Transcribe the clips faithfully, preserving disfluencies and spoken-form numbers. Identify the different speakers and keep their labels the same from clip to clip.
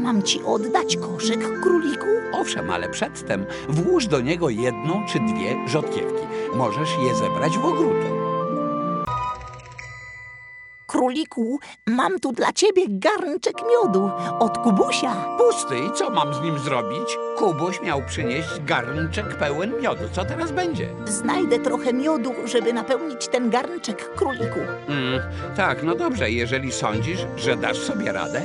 Speaker 1: mam ci oddać koszyk, króliku?
Speaker 2: Owszem, ale przedtem włóż do niego jedną czy dwie rzodkiewki. Możesz je zebrać w ogródku.
Speaker 1: Króliku, mam tu dla ciebie garnczek miodu od Kubusia.
Speaker 2: Pusty, i co mam z nim zrobić? Kubuś miał przynieść garnczek pełen miodu. Co teraz będzie?
Speaker 1: Znajdę trochę miodu, żeby napełnić ten garnczek, króliku.
Speaker 2: Mm, tak, no dobrze, jeżeli sądzisz, że dasz sobie radę.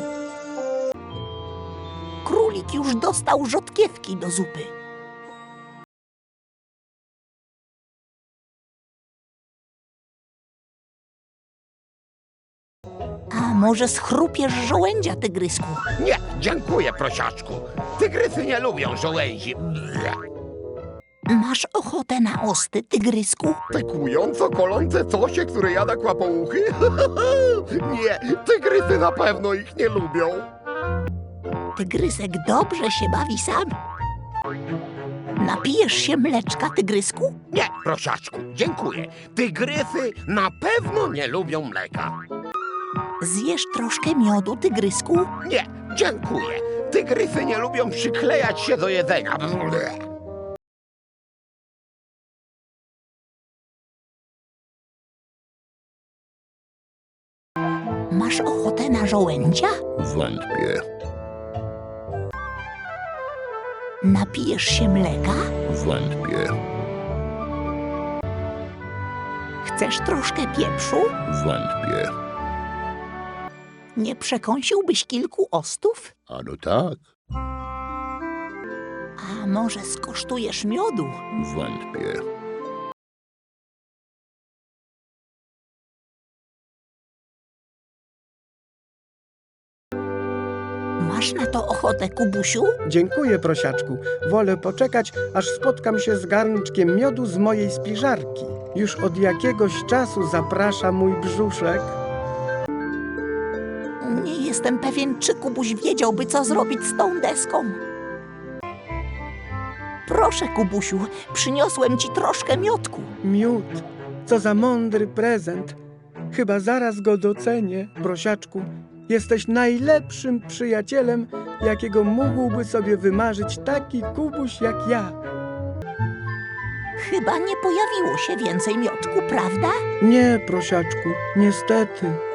Speaker 1: Królik już dostał rzodkiewki do zupy. A może schrupiesz żołędzia, tygrysku?
Speaker 3: Nie, dziękuję, prosiaczku. Tygrysy nie lubią żołędzi. Ble.
Speaker 1: Masz ochotę na osty, tygrysku?
Speaker 3: Te kłująco kolące cosie, które jada kłapouchy? Nie, tygrysy na pewno ich nie lubią.
Speaker 1: Tygrysek dobrze się bawi sam. Napijesz się mleczka, tygrysku?
Speaker 3: Nie, prosiaczku, dziękuję. Tygrysy na pewno nie lubią mleka.
Speaker 1: Zjesz troszkę miodu, tygrysku?
Speaker 3: Nie, dziękuję. Tygrysy nie lubią przyklejać się do jedzenia. Ble.
Speaker 1: Masz ochotę na żołędzia?
Speaker 3: Wątpię,
Speaker 1: Napijesz się mleka?
Speaker 3: wątpię,
Speaker 1: Chcesz troszkę pieprzu?
Speaker 3: wątpię.
Speaker 1: Nie przekąsiłbyś kilku ostów?
Speaker 3: Ano tak,
Speaker 1: A może skosztujesz miodu?
Speaker 3: wątpię.
Speaker 1: Masz na to ochotę, Kubusiu?
Speaker 4: Dziękuję, prosiaczku. Wolę poczekać, aż spotkam się z garnczkiem miodu z mojej spiżarki. Już od jakiegoś czasu zaprasza mój brzuszek.
Speaker 1: Nie jestem pewien, czy Kubuś wiedziałby, co zrobić z tą deską. Proszę, Kubusiu, przyniosłem ci troszkę miodku.
Speaker 4: Miód, co za mądry prezent. Chyba zaraz go docenię, prosiaczku. Jesteś najlepszym przyjacielem, jakiego mógłby sobie wymarzyć taki Kubuś jak ja.
Speaker 1: Chyba nie pojawiło się więcej miodku, prawda?
Speaker 4: Nie, prosiaczku, niestety.